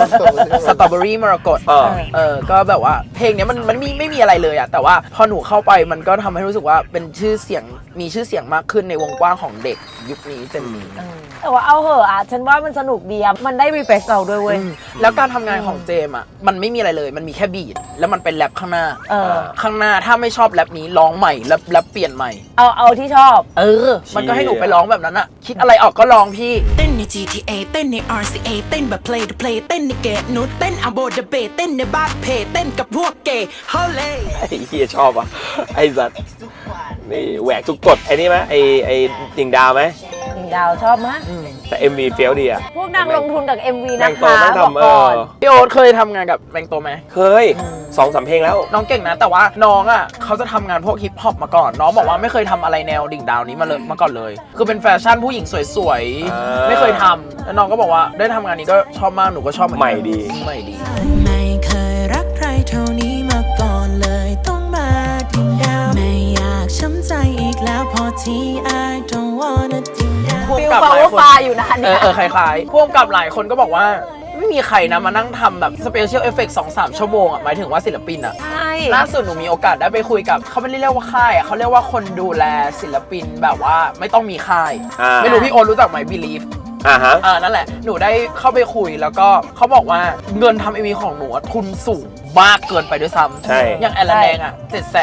[SPEAKER 2] Strawberry มรกตก็แบบว่าเพลงเนี้ยมันไม่มีอะไรเลยอะแต่ว่าพอหนูเข้าไปมันก็ทำให้รู้สึกว่าเป็นชื่อเสียงมีชื่อเสียงมากขึ้นในวงกว้างของเด็กยุคนี้เจนนี้
[SPEAKER 1] แต่ว่าเอาเหอะอ่ะฉันว่ามันสนุกดีอ่ะมันได้รีเฟรชเราด้วยเว้ย
[SPEAKER 2] แล้วการทำงานของเจมอะมันไม่มีอะไรเลยมันมีแค่บีทแล้วมันเป็นแรปข้างหน้า ข้างหน้าถ้าไม่ชอบแรปนี้ร้องใหม่แล้วเปลี่ยนใหม่
[SPEAKER 1] เอาที่ชอบ
[SPEAKER 2] มันก็ให้หนูไปร้องแบบนั้นอะคิดอะไรออกก็ร้องพี่
[SPEAKER 6] เต้นใน GTA เต้นใน RCA เต้นแบบ play to play เต้นในเกตนูดเต้นอัมโบเดเบเต้นในบาร์เพเต้นกับพวกเกย์ฮอลเล่
[SPEAKER 5] ไอ้เฮียชอบอ่ะไอ้สัตว์นี่แหวกทุกกฎไอ้นี่ไหมไอ้ดิ่งดาวไหม
[SPEAKER 1] หนึ่งดาวชอบมาก
[SPEAKER 5] แต่ MV เฟี้ยวดีอ่ะ
[SPEAKER 1] พวกนางลงทุนกับ MV
[SPEAKER 5] แม
[SPEAKER 1] นะ
[SPEAKER 5] งโต
[SPEAKER 1] คะ
[SPEAKER 5] แม่ง
[SPEAKER 1] บอก
[SPEAKER 5] ทำ
[SPEAKER 1] ก่อน
[SPEAKER 2] พี่โอ๊ตเคยทำงานกับแมงโตไหม
[SPEAKER 5] เคย2-3 เพลงแล้ว
[SPEAKER 2] น้องเก่งนะแต่ว่าน้องอ่ะเขาจะทำงานพวกฮิปฮอปมาก่อน น้องบอกว่าไม่เคยทำอะไรแนวดิ่งดาวนี้มาก่อนเลย คือเป็นแฟชั่นผู้หญิงสวย
[SPEAKER 5] อ่า
[SPEAKER 2] ๆไม่เคยทำแล้วน้องก็บอกว่าได้ทำงานนี้ก็ชอบมากหนูก็ชอบเหมือนกัน
[SPEAKER 5] ใหม่ดี
[SPEAKER 2] ใหม่ดี
[SPEAKER 6] ไม่เคยรักใครเท่านี้มาก่อนเลยต้องมาดิ่งดาวไม่อยากช้ำใจอีกแล้วพอที่ I don't wanna ดิ่งดาว
[SPEAKER 2] พ่วง
[SPEAKER 1] ฟิล
[SPEAKER 2] กับ
[SPEAKER 1] ฟา
[SPEAKER 2] หลา
[SPEAKER 1] วย
[SPEAKER 2] คน
[SPEAKER 1] ฟ้าอยู่นะเนี่ย
[SPEAKER 2] คล้ายๆพ่วงกับหลายคนก็บอกว่าไม่มีใครนะมานั่งทำแบบสเปเชียลเอฟเฟกต์ 2-3 ชั่วโมงอ่ะหมายถึงว่าศิลปินอ่ะ
[SPEAKER 1] ใช่
[SPEAKER 2] ล่าสุดหนูมีโอกาสได้ไปคุยกับเขาไม่ได้เรียกว่าค่ายอะเขาเรียกว่าคนดูแลศิลปินแบบว่าไม่ต้องมีค่าย ไม่รู้พี่โอ๊ตรู้จักไหม Believe
[SPEAKER 5] ฮะ
[SPEAKER 2] นั่นแหละหนูได้เข้าไปคุยแล้วก็เขาบอกว่าเงินทำ MV ของหนูอะทุนสูงมากเกินไปด้วยซ้ำ
[SPEAKER 5] ใช่
[SPEAKER 2] อย่างแอลแดงอ่ะ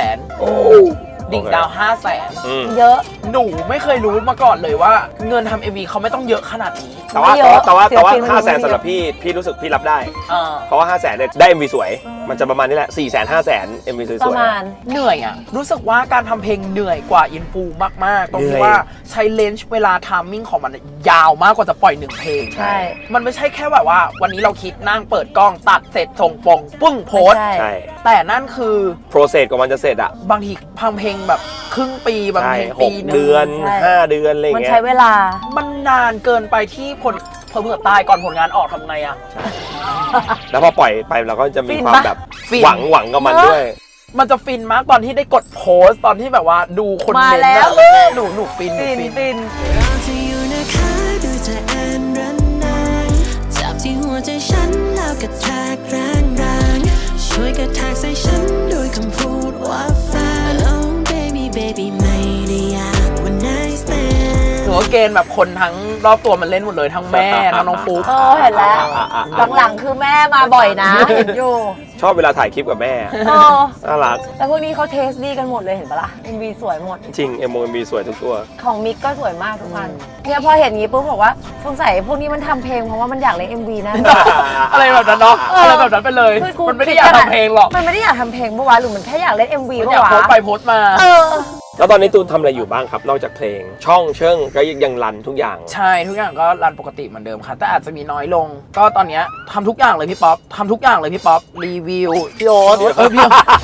[SPEAKER 2] 700,000ดิ่งดาว 500,000
[SPEAKER 1] เยอะ
[SPEAKER 2] หนูไม่เคยรู้มาก่อนเลยว่าเงินทำ MV เขาไม่ต้องเยอะขนาดนี้
[SPEAKER 5] แต่ว่า
[SPEAKER 1] ไม่เยอะ
[SPEAKER 5] แต่ว่า
[SPEAKER 1] ศิลปินมัน
[SPEAKER 5] 500,000สำหรับพี่รู้สึกพี่รับได้
[SPEAKER 2] อ่า
[SPEAKER 5] เพราะว่า 500,000เนี่ยได้ MV สวย มันจะประมาณนี้แหละ 400,000 500,000 MV ส
[SPEAKER 1] ประ
[SPEAKER 5] วย
[SPEAKER 1] มาณ
[SPEAKER 2] เหนื่อยอ่ะรู้สึกว่าการทำเพลงเหนื่อยกว่าอินฟูมากๆตรง
[SPEAKER 5] เหนื่
[SPEAKER 2] ที่
[SPEAKER 5] อย
[SPEAKER 2] ว่าใช้เลนส์เวลาทามมิ่งของมันยาวมากกว่าจะปล่อย1เพลง
[SPEAKER 1] ใช่
[SPEAKER 2] มันไม่ใช่แค่แบบว่าวันนี้เราคิดนั่งเปิดกล้องตัดเสร็จส่งปงปึ้งโพสต์
[SPEAKER 1] ไม่
[SPEAKER 5] ใช่
[SPEAKER 2] แต่นั่นคือ
[SPEAKER 5] โปรเซสกว่ามันจะเสร็จอ่ะ
[SPEAKER 2] บางทีพังเพลงแบบครึ่งปีบาง
[SPEAKER 5] ใช่
[SPEAKER 2] เพลง
[SPEAKER 5] ห
[SPEAKER 2] ปี
[SPEAKER 5] ก
[SPEAKER 2] นึง
[SPEAKER 5] เดือน
[SPEAKER 1] ใช่
[SPEAKER 5] 5 เดือนอะไร
[SPEAKER 1] มัน
[SPEAKER 5] เงี้ย
[SPEAKER 1] ใช้เวลา
[SPEAKER 2] มันนานเกินไปที่เผื่อตายก่อนผลงานออกทำไงอะ
[SPEAKER 5] แล้วพอปล่อยไปเราก็จะมี
[SPEAKER 1] ฟิน
[SPEAKER 5] ความ
[SPEAKER 1] ปะ
[SPEAKER 5] แบบ
[SPEAKER 2] ฟิน
[SPEAKER 5] หวังกับมันด้วย
[SPEAKER 2] มันจะฟินมากตอนที่ได้กดโพสต์ตอนที่แบบว่าดูคน
[SPEAKER 1] มา
[SPEAKER 2] เมนต์
[SPEAKER 1] แล้ว
[SPEAKER 2] อะหนูฟินหนู
[SPEAKER 1] ฟิน
[SPEAKER 2] ฟิน
[SPEAKER 1] ฟิน
[SPEAKER 6] รอเธออยู่นะคะดูเธอแอนรันนานจับที่หัวใจฉันแล้วกระแทกแรงช่วยกระแทกใส่ฉันด้วยคำพูดว่าแฟน Oh baby baby ไม่ได้อยากว่า nice man
[SPEAKER 2] หนูก็เกณฑ์แบบคนทั้งรอบตัวมันเล่นหมดเลยทั้งแม่ทั้งน้องฟุ๊ก
[SPEAKER 1] เห็นแล้ว หลังๆคือแม่มาบ่อยนะ เห็นอยู่
[SPEAKER 5] ชอบเวลาถ่ายคลิปกับแม่ น่ารัก
[SPEAKER 1] แต่พวกนี้เขาเทสดีกันหมดเลยเห็นปะล่ะ MV สวยหมด
[SPEAKER 5] จริง MV สวยทุกตัว
[SPEAKER 1] ของมิกก็สวยมากทุกอันเนี่ยพอเห็นงี้ปุ๊บบอกว่าสงสัยพวกนี้มันทำเพลงเพราะว่ามันอยากเล่น MV นะ
[SPEAKER 2] อะไรแบบนั้นเนาะอะไรแบบนั้นไปเลย
[SPEAKER 1] คือกู
[SPEAKER 2] มันไม่ได้อยากทำเพลงหรอก
[SPEAKER 1] มันไม่ได้อยากทำเพลงปะวะหรือมันแค่อยากเล่น MV
[SPEAKER 2] มัน
[SPEAKER 1] ปะ
[SPEAKER 2] อยาก
[SPEAKER 1] วะ
[SPEAKER 2] โพสต์ไปโพสต์มา
[SPEAKER 1] เออ
[SPEAKER 5] แล้วตอนนี้ตูนทำอะไรอยู่บ้างครับ นอกจากเพลง ช่องเชิงก็ยังรันทุกอย่าง
[SPEAKER 2] ใช่ทุกอย่างก็รันปกติเหมือนเดิมค่ะแต่อาจจะมีน้อยลง ก็ตอนเนี้ยทำทุกอย่างเลยพี่ป๊อปทำทุกอย่างเลยพี่ป๊อปรีวิว
[SPEAKER 3] พี่โอ๊ต
[SPEAKER 2] พี่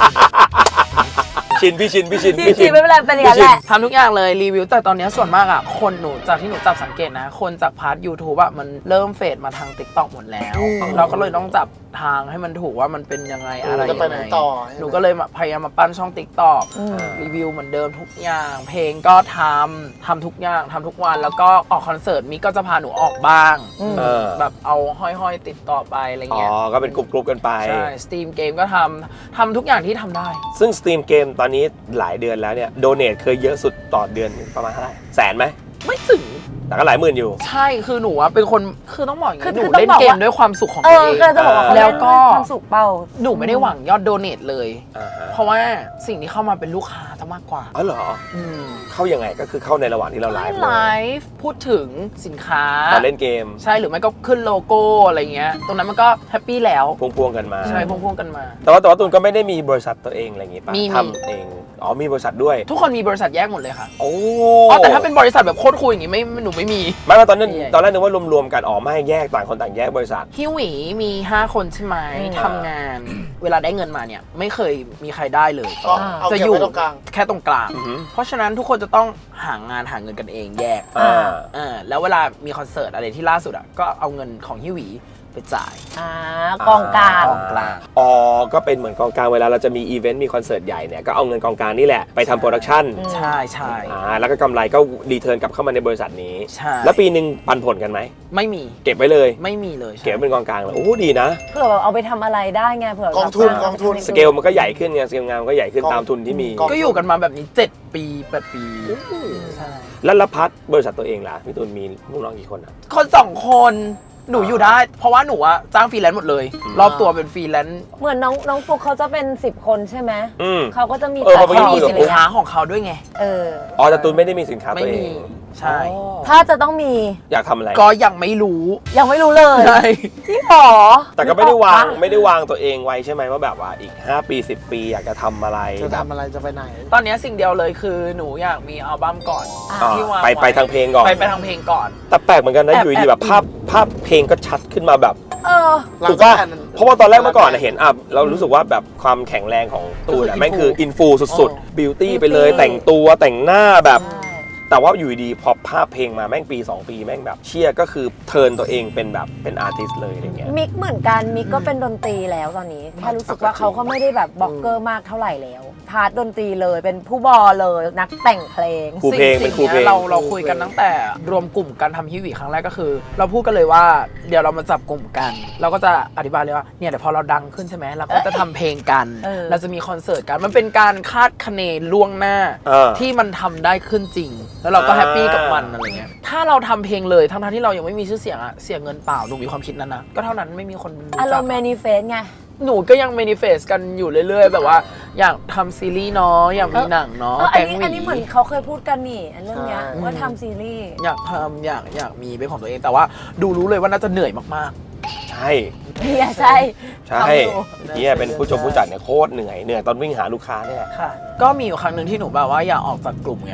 [SPEAKER 5] พี่ชิน
[SPEAKER 1] จริงๆไม่เป็นไรเป็นอย่างนั้นแหละ
[SPEAKER 2] ทำทุกอย่างเลยรีวิวแต่ตอนเนี้ยส่วนมากอ่ะคนหนูจากที่หนูจับสังเกตนะ คนจากพาร์ท YouTube อ่ะมันเริ่มเฟดมาทาง TikTok หมดแล้ว เราก็เลยต้องจับทางให้มันถูกว่ามันเป็นยังไงอะไร
[SPEAKER 3] จะไปไหนต่อ
[SPEAKER 2] หนูก็เลยพยายามมาปั้นช่อง TikTok รีวิวเหมือนเดิมทุกอย่าง เพลงก็ทำทุกอย่างทำทุกวันแล้วก็ออกคอนเสิร์ตมิกก็จะพาหนูออกบ้าง แบบเอาห้อยๆติดต่อไปอะไร
[SPEAKER 5] อ๋อ
[SPEAKER 2] เงี้ย
[SPEAKER 5] ก็เป็นกรุ๊ปกันไป
[SPEAKER 2] ใช่สตรีมเกมก็ทำทุกอย่างที่ทำได้
[SPEAKER 5] ซึ่งสตรีมเกมตอนนี้หลายเดือนแล้วเนี่ย โดเนทเคยเยอะสุดต่อเดือนประมาณเท่าไหร่แสนไหม
[SPEAKER 2] ไม่ถึง
[SPEAKER 5] แต่ก็หลายหมื่นอยู่
[SPEAKER 2] ใช่คือหนูอะเป็นคนคือต้องบอกอย่าง
[SPEAKER 1] คือ
[SPEAKER 2] นี้หนู
[SPEAKER 1] ต้อง
[SPEAKER 2] เล่น
[SPEAKER 1] บอก
[SPEAKER 2] เกม
[SPEAKER 1] ว่า
[SPEAKER 2] ด้วยความสุขของ
[SPEAKER 1] เอ
[SPEAKER 2] ตัว
[SPEAKER 1] อ
[SPEAKER 2] เอง
[SPEAKER 1] ก็จะบอกว่าเขา
[SPEAKER 2] แล้
[SPEAKER 1] เล่
[SPEAKER 2] วน ก็
[SPEAKER 1] ด้วยความสุขเปล่า
[SPEAKER 2] หนูไม่ได้หวังยอดโดเนทเลย
[SPEAKER 5] อ่าฮะ
[SPEAKER 2] เพราะว่าสิ่งที่เข้ามาเป็นลูกค้าซะมากกว่า
[SPEAKER 5] อ๋อเหรอ เข้ายังไงก็คือเข้าในระหว่างที่เราไลฟ์
[SPEAKER 2] ไลฟ์พูดถึงสินค้า
[SPEAKER 5] ตอนเล่นเกม
[SPEAKER 2] ใช่หรือไม่ก็ขึ้นโลโก้อะไรเงี้ยตรงนั้นมันก็แฮปปี้แล้ว
[SPEAKER 5] พวงๆกันมา
[SPEAKER 2] ใช่พ่วงๆกันมา
[SPEAKER 5] แต่ว่าตูนก็ไม่ได้มีบริษัทตัวเองอะไรอย่างงี้ป่ะ
[SPEAKER 2] มี
[SPEAKER 5] ทำเอง อ๋อมีบริษัทด้วย
[SPEAKER 2] ทุกคนมีบริษัทแยกหมดเลยค่ะ
[SPEAKER 5] โอ้
[SPEAKER 2] อ๋อแต่ถ้าเป็นบริษัทแบบโคตรคุยอย่างงี้ไม่หนูไม่มี
[SPEAKER 5] ไม่ว่าตอนนั้น
[SPEAKER 2] ใหญ่
[SPEAKER 5] ตอนแรกนึกว่ารวมๆกันอ๋อไม่แยกต่างคนต่างแยกบริษัท
[SPEAKER 2] พี่หวีมี 5 คนใช่ไหมทำงาน เวลาได้เงินมาเนี่ยไม่เคยมีใครได้เลย
[SPEAKER 3] ก็เอา
[SPEAKER 2] จะ
[SPEAKER 3] เก็บ
[SPEAKER 2] อยู่
[SPEAKER 3] ไว้ตรงกลาง
[SPEAKER 2] แค่ตรงกลาง
[SPEAKER 5] อือหือ
[SPEAKER 2] เพราะฉะนั้นทุกคนจะต้องหางานหาเงินกันเองแยก แล้วเวลามีคอนเสิร์ตอะไรที่ล่าสุดอ่ะก็เอาเงินของฮิวีไปจ่าย
[SPEAKER 1] กองกลาง
[SPEAKER 2] กองกลาง
[SPEAKER 5] อ๋อก็เป็นเหมือนกองกลางเวลาเราจะมีอีเวนต์มีคอนเสิร์ตใหญ่เนี่ยก็เอาเงินกองกลางนี่แหละไปทำโปรดักชั่น
[SPEAKER 2] ใช่ใช่
[SPEAKER 5] แล้วก็กำไรก็รีเทิร์นกลับเข้ามาในบริษัทนี้
[SPEAKER 2] ใช่
[SPEAKER 5] แล้วปีหนึ่งปันผลกันไหม
[SPEAKER 2] ไม่มี
[SPEAKER 5] เก็บไว้เลย
[SPEAKER 2] ไม่มีเลยใช่
[SPEAKER 5] เก็บไว้เป็นกองกลางเลยโอ้ดีนะ
[SPEAKER 1] เผื่อแบบเอาไปทำอะไรได้ไงเผื่อก
[SPEAKER 3] องทุนกองทุน
[SPEAKER 5] สเกลมันก็ใหญ่ขึ้นไงสเกลงานมันก็ใหญ่ขึ้น
[SPEAKER 3] กอง
[SPEAKER 5] ตามทุนที่มี
[SPEAKER 3] กอง
[SPEAKER 2] ก็อยู่กันมาแบบนี้ 7 ปี 8 ปีใช่
[SPEAKER 5] แล้วพัดบริษัทตัวเองล่ะพี่ตูนมีลูกน้องกี่คนอ่ะ
[SPEAKER 2] คน2 คนหนูอยู่ได้ เพราะว่าหนูอะจ้างฟรีแลนซ์หมดเลย รอบตัวเป็นฟรีแลนซ์
[SPEAKER 1] เหมือนน้องฟุกเขาจะเป็น10 คนใช่ไหม
[SPEAKER 5] อืม
[SPEAKER 1] เขาก็จะมี
[SPEAKER 5] เออ
[SPEAKER 1] แต่
[SPEAKER 5] พอ
[SPEAKER 2] เขา
[SPEAKER 5] คุ
[SPEAKER 2] มี
[SPEAKER 5] ยกับ
[SPEAKER 2] สินค้าของเขาด้วยไง
[SPEAKER 1] เออ
[SPEAKER 5] อ๋อแต่ตูนไม่ได้มีสินค้า
[SPEAKER 2] ไม่
[SPEAKER 5] ตัวเอ
[SPEAKER 2] มี
[SPEAKER 5] ง
[SPEAKER 2] ใช่
[SPEAKER 5] อ๋อ
[SPEAKER 1] ถ้าจะต้องมี
[SPEAKER 5] อยากทำอะไร
[SPEAKER 2] ก็ยังไม่รู้
[SPEAKER 1] ยังไม่รู้เลย
[SPEAKER 2] ใช่
[SPEAKER 1] ที่หรอ
[SPEAKER 5] แต่ก็ไม่ได้วางตัวเองไว้ใช่ไหมว่าแบบว่าอีก5 ปี10 ปีอยากจะทำอะไร
[SPEAKER 3] จะทำอะไรจะไปไหน
[SPEAKER 2] ตอนนี้สิ่งเดียวเลยคือหนูอยากมีอัลบั้มก่อน
[SPEAKER 5] อ่า
[SPEAKER 2] ที่วาง
[SPEAKER 5] ไป
[SPEAKER 2] ไว้
[SPEAKER 5] ทางเพลงก่อน
[SPEAKER 2] ไปทางเพลงก่อน
[SPEAKER 5] แต่แปลกเหมือนกันนะ
[SPEAKER 2] แอบ
[SPEAKER 5] อยู่ดีแบบภาพเพลงก็ชัดขึ้นมาแบบ
[SPEAKER 1] เออ
[SPEAKER 5] ถูกป่ะเพราะว่าตอนแรกเมื่อก่อนเห็นเรารู้สึกว่าแบบความแข็งแรงของตูนแม่งคืออินฟูสุดๆบิวตี้ไปเลยแต่งตัวแต่งหน้าแบบ แต่ว่าอยู่ดีพอภาพเพลงมาแม่งปี 2 ปีแม่งแบบเชียก็คือเทิร์นตัวเองเป็นแบบเป็นอาร์ติสต์เลยอะไรเงี้ย
[SPEAKER 1] มิกเหมือนกันมิกก็เป็นดนตรีแล้วตอนนี้แค่รู้สึกว่าเขาก็ไม่ได้แบบบล็อกเกอร์มากเท่าไหร่แล้วพาร์ทดนตรีเลยเป็นผู้บอเลยนักแต่งเพลง
[SPEAKER 5] ครูเพลงเป็นครูเพลง
[SPEAKER 2] เราคุยกันตั้งแต่รวมกลุ่มการทำฮิวิครั้งแรกก็คือ เราพูดกันเลยว่าเดี๋ยวเรามาจับกลุ่มกัน เราก็จะอธิบายเลยว่าเนี่ยเดี๋ยวพอเราดังขึ้นใช่ไหมเราก็จะทำเพลงกัน เราจะมีคอนเสิร์ตกันมันเป็นการคาดคะเนล่วงหน้า ที่มันทำได้ขึ้นจริง แล้วเราก็แฮปปี้กับมันอะไรเงี้ยถ้าเราทำเพลงเลยทั้งที่เรายังไม่มีชื่อเสียงอะเสียเงินเปล่าหนูมีความคิดนั้นนะก็เท่านั้นไม่มีคนรู้
[SPEAKER 1] อาร
[SPEAKER 2] จัก
[SPEAKER 1] มณ์แมนิเฟสไง
[SPEAKER 2] หนูก็ยังเมนิเฟสกันอยู่เรื่อยๆ แบบว่าอยากทำซีรีส์เนาะอยากมีหนังเนาะ
[SPEAKER 1] อั
[SPEAKER 2] แก๊งห
[SPEAKER 1] นนี้เหมือน
[SPEAKER 2] วี
[SPEAKER 1] เขาเคยพูดกันนี่อันเรื่องเนี้ย
[SPEAKER 3] ใช่
[SPEAKER 1] ว่าทำซีรีส์
[SPEAKER 2] อยากทำอยากมีเป็นของตัวเองแต่ว่าดูรู้เลยว่าน่าจะเหนื่อยมาก
[SPEAKER 5] ใช่
[SPEAKER 1] เนี่ยใช่
[SPEAKER 5] ใช่เนี่ยเป็นผู้ชมผู้จัดเนี่ยโคตรเหนื่อยตอนวิ่งหาลูกค้าเนี่ย
[SPEAKER 2] ๆ ค่ะ ก็มีอยู่ครั้งหนึ่งที่หนูแบบว่าอยากออกจากกลุ่มไงเพ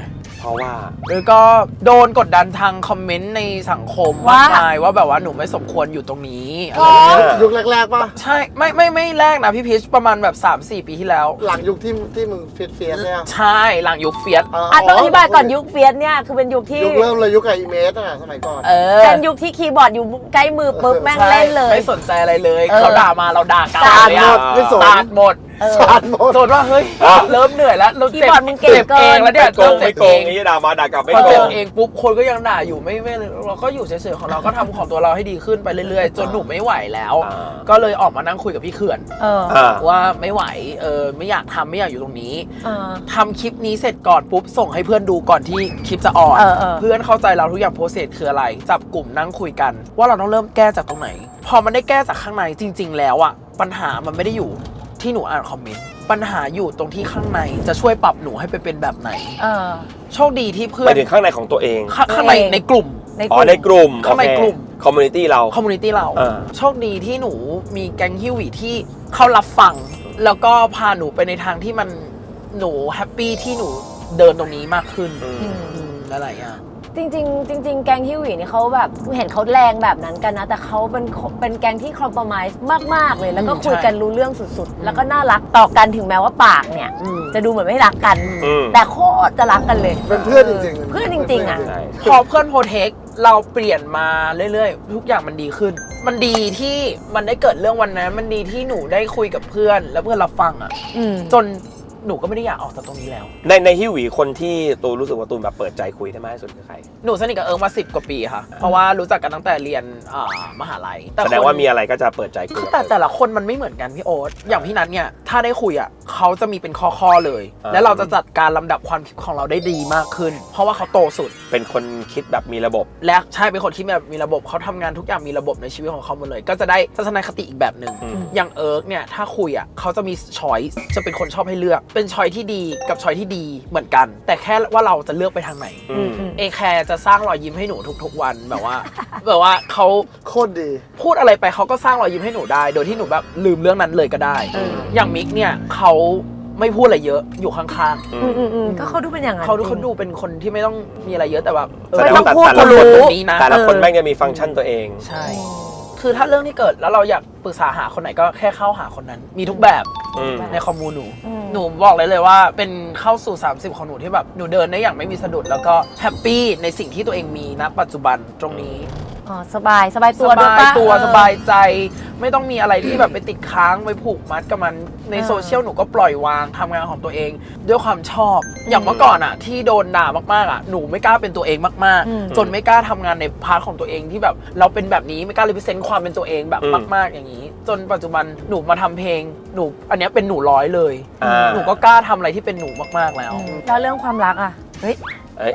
[SPEAKER 5] เพราะว่า
[SPEAKER 2] หรือก็โดนกดดันทางคอมเมนต์ในสังคมมากมายว่าแบบว่าหนูไม่สมควรอยู่ตรงนี้อะไรอย่างเงี้ย
[SPEAKER 3] ยุคแรกๆป่ะ
[SPEAKER 2] ใช่ไม่แรกนะพี่พีชประมาณแบบ 3-4 ปีที่แล้ว
[SPEAKER 3] หลังยุคที่มึงเฟียสเนี่ย
[SPEAKER 2] ใช่หลังยุคเฟียส
[SPEAKER 1] ต้องอธิบายก่อนยุคเฟียสเนี่ยคือเป็นยุคที่
[SPEAKER 3] ยุคเริ่มเลยยุคกับอีเมสอ่ะสมัยก่อน
[SPEAKER 1] เป็นยุคที่คีย์บอร์ดอยู่ใกล้มือปุ๊บแม่งเล่นเลย
[SPEAKER 2] ไม่สนใจอะไรเลยเขาด่ามาเราด่ากลับ
[SPEAKER 1] สาด
[SPEAKER 2] เลย
[SPEAKER 1] หม
[SPEAKER 2] อะ
[SPEAKER 1] ด
[SPEAKER 3] ไม่สน
[SPEAKER 2] สาดหมด
[SPEAKER 3] สารหมด
[SPEAKER 2] โจทย์ว่าเฮ้ยเริ่มเหนื่อยแล้วเรา
[SPEAKER 1] คีย์บอร์ดมึงเก่งเกิน
[SPEAKER 2] เองแล้วเนี่ย
[SPEAKER 5] ไม่โกงไม่โกงนี่ด่ามาด่ากลับไม่
[SPEAKER 2] พอ
[SPEAKER 5] โก
[SPEAKER 2] เจ็บ
[SPEAKER 5] ง
[SPEAKER 2] เองปุ๊บคนก็ยังด่าอยู่ไม่เราก็อยู่เฉยๆของเราก็ทำของตัวเราให้ดีขึ้นไปเรื่อยๆ จนหนูไม่ไหวแล้ว ก็เลยออกมานั่งคุยกับพี่เขื่อน ว่าไม่ไหวไม่อยากทำไม่อยากอยู่ตรงนี้ทำคลิปนี้เสร็จก่อนปุ๊บส่งให้เพื่อนดูก่อนที่คลิปจะออนเพื่อนเข้าใจเราทุกอย่างโปรเซสคืออะไรจับกลุ่มนั่งคุยกัน ว่าเราต้องเริ่มแก้จากตรงไหน พอมันได้แก้จากข้างในจริง ๆ แล้วอะปัญหามันไม่ได้อยู่ที่หนูอ่านคอมเมนต์ปัญหาอยู่ตรงที่ข้างในจะช่วยปรับหนูให้ไปเป็นแบบไหนโชคดีที่เพื่อ
[SPEAKER 5] ไป
[SPEAKER 2] น
[SPEAKER 5] ถึงข้างในของตัวเอง
[SPEAKER 2] ข้างในในกลุ่ม
[SPEAKER 5] อ๋อในกลุ่ม
[SPEAKER 2] ข้างในกลุ่ม
[SPEAKER 5] คอมมูนิตี้เรา
[SPEAKER 2] คอมมูนิตี้เรา
[SPEAKER 5] เออ
[SPEAKER 2] โชคดีที่หนูมีแก๊งฮิวหวีที่เขารับฟัง แล้วก็พาหนูไปในทางที่มันหนูแฮปปี้ที่หนูเดินตรงนี้มากขึ้นอะไรอย่าง
[SPEAKER 1] จริงๆแกงฮิวหวีนี่เขาแบบเห็นเขาแรงแบบนั้นกันนะ แต่เขาเป็นแกงที่คอมโพรไมซ์มากๆเลย แล้วก็คุยกันรู้เรื่องสุดๆ แล้วก็น่ารักต่อกันถึงแม้ว่าปากเนี่ย จะดูเหมือนไม่รักกัน แต่โคตรจะรักกันเลย
[SPEAKER 3] เป็นเพื่อนจริงๆ
[SPEAKER 1] เพื่อนจริงๆอ่ะ
[SPEAKER 5] ใช่
[SPEAKER 2] พอเพื่อนโปรเทคเราเปลี่ยนมาเรื่อยๆ ทุกอย่างมันดีขึ้น มันดีที่มันได้เกิดเรื่องวันนั้นมันดีที่หนูได้คุยกับเพื่อนแล้วเพื่อนรับฟังอ่ะจนหนูก็ไม่ได้อยากออกจากตรงนี้แล้ว
[SPEAKER 5] ในฮิวหวีคนที่ตูนรู้สึกว่าตูนแบบเปิดใจคุยได้มากที่สุดคือใคร
[SPEAKER 2] หนูสนิทกับเอิงมา10 กว่าปีค่ะเพราะว่ารู้จักกันตั้งแต่เรียนมหาลัย
[SPEAKER 5] แสดงว่ามีอะไรก็จะเปิดใจคุย
[SPEAKER 2] แต่ละคนมันไม่เหมือนกันพี่โอ๊ตอย่างพี่นัทเนี่ยถ้าได้คุยอ่ะเขาจะมีเป็นข้อๆเลย แล้วเราจะจัดการลำดับความคิดของเราได้ดีมากขึ้น เพราะว่าเขาโตสุด
[SPEAKER 5] เป็นคนคิดแบบมีระบบ
[SPEAKER 2] และใช่เป็นคนที่แบบมีระบบเขาทำงานทุกอย่างมีระบบในชีวิตของเขาหมดเลย ก็จะได้ทัศนคติอีกแบบหนึ่งอย่างเอิร์กเนี่ยถ้าคุยอ่ะเขาจะมีช้อยส์จะเป็นคนชอบให้เลือกเป็นช้อยที่ดีกับช้อยที่ดีเหมือนกัน แต่แค่ว่าเราจะเลือกไปทางไหนเอแคร์จะสร้างรอยยิ้มให้หนูทุกๆวันแบบว่าเขา
[SPEAKER 3] โคตรดี
[SPEAKER 2] พูดอะไรไปเขาก็สร้างรอยยิ้มให้หนูได้ โดยที่หนูแบบลืมเรื่องนั้นเลยก็ได้อย่างมิกเนี่ยเขาไม่พูดอะไรเยอะอยู่ข้างๆ
[SPEAKER 1] ก็เขาดูเป็นอย่างนั้น
[SPEAKER 2] เขาดูเป็นคนที่ไม่ต้องมีอะไรเยอะแต่แบบ
[SPEAKER 1] ไม่ต้องพูด
[SPEAKER 2] คนรู้ตรงนี้นะ
[SPEAKER 5] แต่ละคนแม่งจะมีฟังก์ชันตัวเอง
[SPEAKER 2] ใช่คือถ้าเรื่องที่เกิดแล้วเราอยากปรึกษาหาคนไหนก็แค่เข้าหาคนนั้นมีทุกแบบในคอมมูนหนูบอกเลยว่าเป็นเข้าสู่30ของหนูที่แบบหนูเดินได้อย่างไม่มีสะดุดแล้วก็แฮปปี้ในสิ่งที่ตัวเองมีณปัจจุบันตรงนี้
[SPEAKER 1] สบายตัวด้วยปะ
[SPEAKER 2] สบายใจไม่ต้องมีอะไรที่แบบไปติดค้างไปผูกมัดกับมันในโซเชียลหนูก็ปล่อยวางทำงานของตัวเองด้วยความชอบอย่างเมื่อก่อนอะที่โดนด่ามากๆอะหนูไม่กล้าเป็นตัวเองมากๆจนไม่กล้าทำงานในพาร์ทของตัวเองที่แบบเราเป็นแบบนี้ไม่กล้ารีเพรสเซนต์ความเป็นตัวเองแบบมากๆอย่างนี้จนปัจจุบันหนูมาทำเพลงหนูอันนี้เป็นหนู100เลยหนูก็กล้าทำอะไรที่เป็นหนูมากๆแล้ว
[SPEAKER 1] เรื่องความรักอะเฮ้ย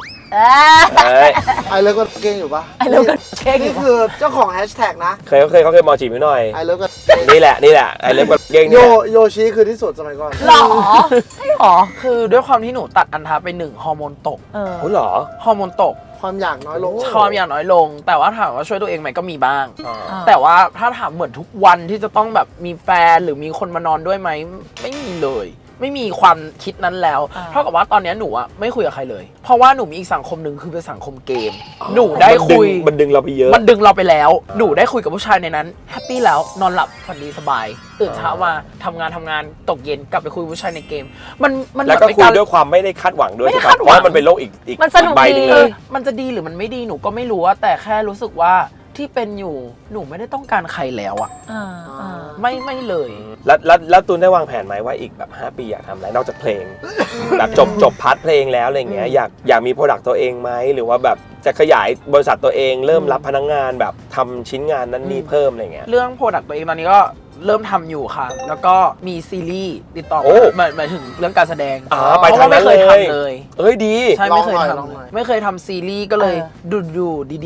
[SPEAKER 3] ไอเลิฟก็เก่งอยู่ปะ
[SPEAKER 1] ไอเลิฟก็เก่งอยู่
[SPEAKER 3] นี่คือเจ้าของแฮชแท็กนะ
[SPEAKER 5] เขาเคยมอจีบพี่หน่อย
[SPEAKER 3] ไอเลิฟก็
[SPEAKER 5] นี่แหละไอเลิฟกับเก่ง
[SPEAKER 3] โยชิคือที่สุดสมัยก่อน
[SPEAKER 1] หรอใช่หรอ
[SPEAKER 2] คือด้วยความที่หนูตัดอันทาไป1ฮอร์โมนตก
[SPEAKER 5] โอ้หรอ
[SPEAKER 2] ฮอร์โมนตก
[SPEAKER 3] ความอยากน้อยลง
[SPEAKER 2] ความอยากน้อยลงแต่ว่าถามว่าช่วยตัวเองไหมก็มีบ้างแต่ว่าถ้าถามเหมือนทุกวันที่จะต้องแบบมีแฟนหรือมีคนมานอนด้วยไหมไม่มีเลยไม่มีความคิดนั้นแล้วเท่ากับว่าตอนนี้หนูอะไม่คุยกับใครเลยเพราะว่าหนูมีอีกสังคมหนึ่งคือเป็นสังคมเกมหนูได้คุย
[SPEAKER 5] มันดึงเราไปเยอะ
[SPEAKER 2] มันดึงเราไปแล้วหนูได้คุยกับผู้ชายในนั้นแฮปปี้แล้วนอนหลับฝันดีสบายตื่นเช้ามาทำงานตกเย็นกลับไปคุยกับผู้ชายในเกมมัน
[SPEAKER 5] แล้วก็คุยด้วยความไม่ได้คาดหวังด้วยเพราะมันเป็นโลกอีก
[SPEAKER 1] มันสนุกดี
[SPEAKER 2] มันจะดีหรือมันไม่ดีหนูก็ไม่รู้ว่าแต่แค่รู้สึกว่าที่เป็นอยู่หนูไม่ได้ต้องการใครแล้วอะไม่เลย
[SPEAKER 5] แล้วตูนได้วางแผนไหมว่าอีกแบบ5 ปีอยากทำอะไรนอกจากเพลง แบบจบพาร์ทเพลงแล้วอะไรเงี้ยอยากมีโปรดักต์ตัวเองไหมหรือว่าแบบจะขยายบริษัทตัวเองเริ่มรับพนักงานแบบทำชิ้นงานนั้นนี่เพิ่มอะไรเงี้ย
[SPEAKER 2] เรื่องโปรดักต์ตัวเองตอนนี้ก็เริ่มทำอยู่ค่ะแล้วก็มีซีรีส์ติดต่อมาหมายถึงเรื่องการแสดง
[SPEAKER 5] ไปทางนั้นเลย
[SPEAKER 2] เลย
[SPEAKER 5] เอ้ยดี
[SPEAKER 2] ใช่ไม่เคยทำซีรีส์ก็เลยดูดีๆ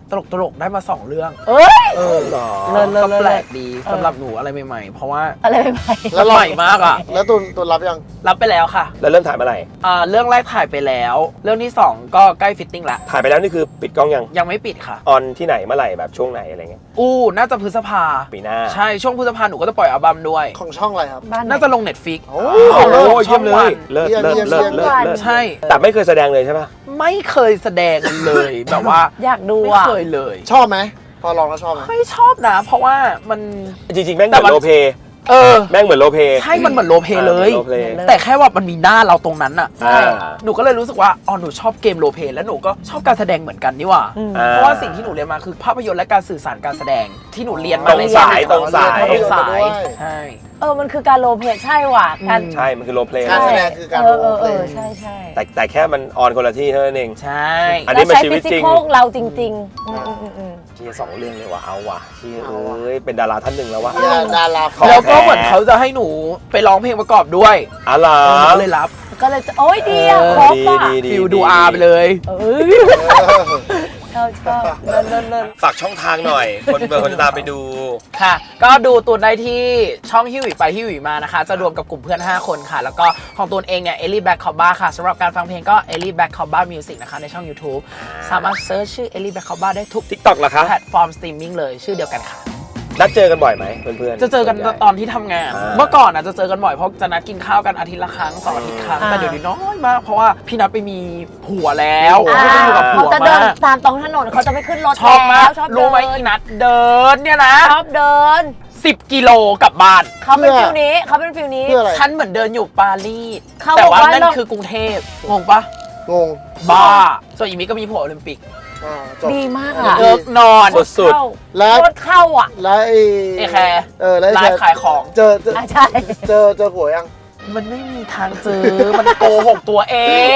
[SPEAKER 2] ตลกได้มา 2 เรื่อง
[SPEAKER 1] เอ้ย
[SPEAKER 2] เออ
[SPEAKER 1] เลิศ
[SPEAKER 2] ก็แปลกดีสำหรับหนูอะไรใหม่ๆ เพราะว่า
[SPEAKER 1] อะไรไป
[SPEAKER 2] แล้วใหม่มากอ่ะ
[SPEAKER 3] แล้วตูนรับยัง
[SPEAKER 2] รับไปแล้วค่ะ
[SPEAKER 5] แล้วเริ่มถ่ายเมื่อไหร่
[SPEAKER 2] เรื่องแรกถ่ายไปแล้ว เรื่องที่ 2 ก็ใกล้ฟิตติ้งแล้ว
[SPEAKER 5] ถ่ายไปแล้วนี่คือปิดกล้องยัง
[SPEAKER 2] ยังไม่ปิดค่ะ
[SPEAKER 5] ออนที่ไหนเมื่อไหร่แบบช่วงไหนอะไรเงี้ย
[SPEAKER 2] น่าจะพฤษภา
[SPEAKER 5] ปีหน้า
[SPEAKER 2] ใช่ช่วงพฤษภาหนูก็จะปล่อยอัลบั้มด้วย
[SPEAKER 3] ของช่องอะไรครับ
[SPEAKER 1] บ้านไหน
[SPEAKER 2] น่าจะลง Netflix
[SPEAKER 3] โอ้
[SPEAKER 5] โอ้โห
[SPEAKER 2] ช่
[SPEAKER 5] เยี่
[SPEAKER 2] อย ง
[SPEAKER 5] มเล
[SPEAKER 2] วั
[SPEAKER 5] ย
[SPEAKER 2] น
[SPEAKER 5] เลิศเลิศเลิศเลิศเลิศ
[SPEAKER 2] ใช่
[SPEAKER 5] แต่ไม่เคยแสดงเลยใช่ปะ
[SPEAKER 2] ไม่เคยแสดงเลย แบบว่า
[SPEAKER 1] อยากดู
[SPEAKER 2] ไม่
[SPEAKER 1] อ่ะ
[SPEAKER 2] เคยเลย
[SPEAKER 3] ชอบไหมพอลองแล้วชอบไหม
[SPEAKER 2] ไม่ชอบนะ เพราะว่ามัน
[SPEAKER 5] จริงๆแม่งเห
[SPEAKER 2] แต่
[SPEAKER 5] มือน
[SPEAKER 2] มัน
[SPEAKER 5] โรลเพลย์
[SPEAKER 2] เออ
[SPEAKER 5] แม่งเหมือนโรลเพลย์
[SPEAKER 2] ใช่มันเหมือนโรลเพลย์เลย
[SPEAKER 5] โรลเพลย์
[SPEAKER 2] แต่แค่ว่ามันมีหน้าเราตรงนั้นอะ
[SPEAKER 5] อ่า
[SPEAKER 2] หนูก็เลยรู้สึกว่าอ๋อหนูชอบเกมโรลเพลย์แล้วหนูก็ชอบการแสดงเหมือนกันนี่หว่า
[SPEAKER 5] อ่า
[SPEAKER 2] เพราะว่าสิ่งที่หนูเรียนมาคือภาพยนตร์และการสื่อสารการแสดงที่หนูเรียนมา
[SPEAKER 5] ตรง
[SPEAKER 2] ใน
[SPEAKER 5] สายตรงสาย
[SPEAKER 2] ตรงสายใช่
[SPEAKER 1] มันคือการโรลเพลย์ใช่ว่ะการ
[SPEAKER 5] ใช่ มันคือโรลเพลย์
[SPEAKER 3] การแสดงคือการ
[SPEAKER 1] เอ
[SPEAKER 3] โร
[SPEAKER 1] อ
[SPEAKER 3] ลเพลย์
[SPEAKER 1] ใช่ใช่
[SPEAKER 5] แต่แค่มันออนคนละที่เท่านั้นเอง
[SPEAKER 2] ใช่
[SPEAKER 5] อันนี้มันชีวิตจริง
[SPEAKER 1] เราใช้ physical เราจริงๆอืม
[SPEAKER 5] เชียร์2 เรื่องเลยว่ะเอาว่ะเชียร์เอ้ยเป็นดาราท่านหนึ่งแล้วว่ะ
[SPEAKER 3] เนี่ยดารา
[SPEAKER 5] ขอ
[SPEAKER 2] แล้วก็เหมือนเขาจะให้หนูไปร้องเพลงประกอบด้วย
[SPEAKER 5] อะไร
[SPEAKER 2] หนูก็เลยรับ
[SPEAKER 1] ก็เลยจะโอ้ยดีอ่ะครบอ่ะ
[SPEAKER 2] ฟิลดูอาร์ไปเลย
[SPEAKER 1] เอ้ยชอบเลิศ
[SPEAKER 5] ฝากช่องทางหน่อย คนเบอร์คนจะตามไปดู
[SPEAKER 2] ค่ะ ก็ดูตูนได้ที่ช่องฮิวหวีไปฮิวหวีมานะคะ จะรวมกับกลุ่มเพื่อน 5 คนค่ะ แล้วก็ของตูนเองเนี่ยเอลลี่แบ็คคอบ้าค่ะสำหรับการฟังเพลงก็เอลลี่แบ็คคอบ้ามิวสิกนะคะในช่อง YouTube สามารถเซิร์ชชื่อเอลลี่แบ็คคอบ้าได้ทุก
[SPEAKER 5] TikTok เหรอคะ
[SPEAKER 2] แพลตฟอร์มสตรีมมิ่งเลยชื่อเดียวกันค่ะ
[SPEAKER 5] นัดเจอกันบ่อยไหมเพื่อนๆ
[SPEAKER 2] จะเจอกันตอนที่ทำงาน เมื่อก่อนอ่ะจะเจอกันบ่อยเพราะจะนัดกินข้าวกันอาทิตย์ละครั้ง2 อาทิตย์ครั้งแต่เดี๋ยวนี้น้อยมากเพราะว่าพี่นัดไปมีผัวแล้ว
[SPEAKER 1] ๆ
[SPEAKER 2] ไม่ได้อยู่กับผั
[SPEAKER 1] เขา
[SPEAKER 2] ว
[SPEAKER 1] จะเดิน
[SPEAKER 2] มาก
[SPEAKER 1] ตามตรงถนนเขาจะไม่ขึ้นรถ
[SPEAKER 2] ชอบมาก
[SPEAKER 1] แล้วชอบเดิ
[SPEAKER 2] รู้ไหม
[SPEAKER 1] น
[SPEAKER 2] อีนัดเดินเนี่ยนะ
[SPEAKER 1] ชอบเดิน
[SPEAKER 2] 10 กิโลกลับบ้าน
[SPEAKER 1] เขาเป็นฟิลนี้เขาเป็นฟิลนี้
[SPEAKER 3] เพื่ออะไร
[SPEAKER 2] ฉันเหมือนเดินอยู่ปารีส
[SPEAKER 1] เขา
[SPEAKER 2] แต่
[SPEAKER 1] บอก
[SPEAKER 2] ว่า
[SPEAKER 1] ว่า
[SPEAKER 2] นั่น
[SPEAKER 1] เรา
[SPEAKER 2] คือกรุงเทพงงปะ
[SPEAKER 3] งง
[SPEAKER 2] บ้าส่วนอีมิก็มีผัวโอลิมปิก
[SPEAKER 3] จบ
[SPEAKER 1] ดีมากอ่ะ
[SPEAKER 2] เลิกนอน
[SPEAKER 5] สุด
[SPEAKER 1] เข้า
[SPEAKER 3] แล้ว
[SPEAKER 1] รถเข้าอ่ะ
[SPEAKER 3] แล้วไอ้
[SPEAKER 2] เอแคร์
[SPEAKER 3] แล้ว
[SPEAKER 2] ไลฟ์ขายของ
[SPEAKER 3] เจอ
[SPEAKER 1] ใช่
[SPEAKER 3] เจอผัวยัง
[SPEAKER 2] มันไม่มีทางเจอ มันโกหกตัวเอง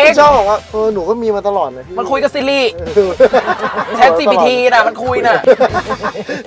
[SPEAKER 3] ชอบบอกว่าหนูก็มีมาตลอดนะพี่
[SPEAKER 2] มันคุยกับซิริ
[SPEAKER 3] เออ
[SPEAKER 2] แชท GPT นะมันคุยน่ะ